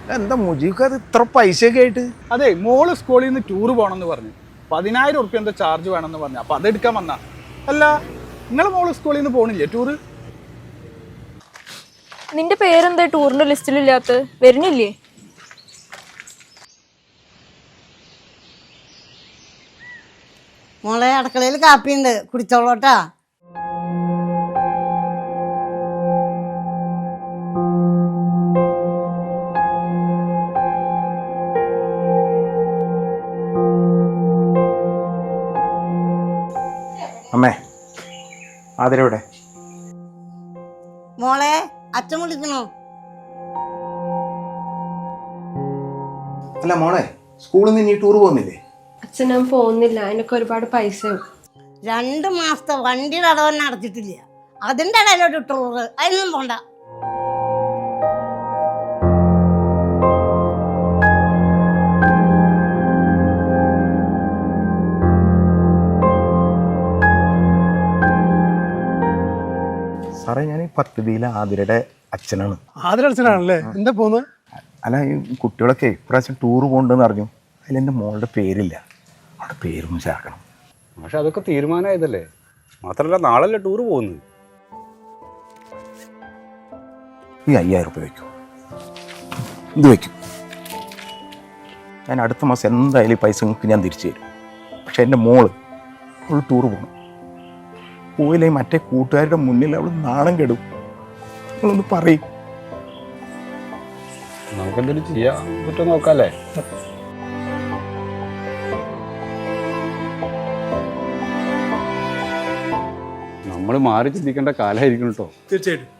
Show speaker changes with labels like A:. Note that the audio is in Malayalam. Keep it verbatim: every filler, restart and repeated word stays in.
A: എന്താ മുജീബ് അത് ഇത്ര പൈസയൊക്കെ ആയിട്ട്?
B: അതെ, മോള് സ്കൂളിൽ നിന്ന് ടൂർ പോകണമെന്ന് പറഞ്ഞു. പതിനായിരം ഉറുപ്പ്യ എന്താ ചാർജ് വേണമെന്ന് പറഞ്ഞു. അപ്പൊ അതെടുക്കാൻ വന്നാ. അല്ല, നിങ്ങളെ മോള് സ്കൂളിൽ നിന്ന് പോകണില്ലേ ടൂറ്?
C: നിന്റെ പേരെന്താ ടൂറിന്റെ ലിസ്റ്റിലില്ലാത്ത? വരുന്നില്ലേ?
D: മോളെ അടുക്കളയിൽ കാപ്പിയുണ്ട്, കുടിച്ചോളൂട്ടാ.
A: അമ്മേ, ആതിരവിടെ?
D: മോളെ അച്ഛൻ വിളിക്കണോ?
A: അല്ല മോളെ, സ്കൂളിൽ നിന്ന് ഇനി ടൂർ പോകുന്നില്ലേ?
E: അച്ഛൻ ഞാൻ പോകുന്നില്ല, അതിനൊക്കെ ഒരുപാട് പൈസ.
D: രണ്ട് മാസത്തെ വണ്ടിയുടെ അടവന്നെ അടച്ചിട്ടില്ല, അതിന്റെ ഇടയിലോട്ട് ടൂറ്, അതിനൊന്നും പോണ്ട.
A: സാറേ, ഞാൻ ഈ പദ്ധതിയിലെ ആതിരയുടെ അച്ഛനാണ്.
F: ആതിര അച്ഛനാണല്ലേ? എന്താ പോകുന്നത്?
A: അല്ല, ഈ കുട്ടികളൊക്കെ ഇപ്രാവശ്യം ടൂർ പോകണ്ടെന്ന് അറിഞ്ഞു. അതിൽ എൻ്റെ മോളുടെ പേരില്ല, അവിടെ പേരൊന്നും ചേർക്കണം.
G: പക്ഷെ അതൊക്കെ തീരുമാനമായതല്ലേ. മാത്രമല്ല, നാളല്ലേ ടൂർ പോകുന്നത്.
A: ഈ അയ്യായിരം രൂപ വയ്ക്കും, ഇത് വയ്ക്കും. ഞാൻ അടുത്ത മാസം എന്തായാലും ഈ പൈസ നിങ്ങൾക്ക് ഞാൻ തിരിച്ചു തരും. പക്ഷെ എൻ്റെ മോള് അവൾ ടൂർ പോകണം. പോയില്ലേ മറ്റേ കൂട്ടുകാരുടെ മുന്നിൽ അവൾ നാണം കെടും. നിങ്ങളൊന്ന് പറയും.
G: നമുക്കെന്തെങ്കിലും ചെയ്യാൻ പറ്റുമോ നോക്കാല്ലേ? നമ്മൾ മാറി ചിന്തിക്കേണ്ട കാലമായിരിക്കും കേട്ടോ.
F: തീർച്ചയായിട്ടും.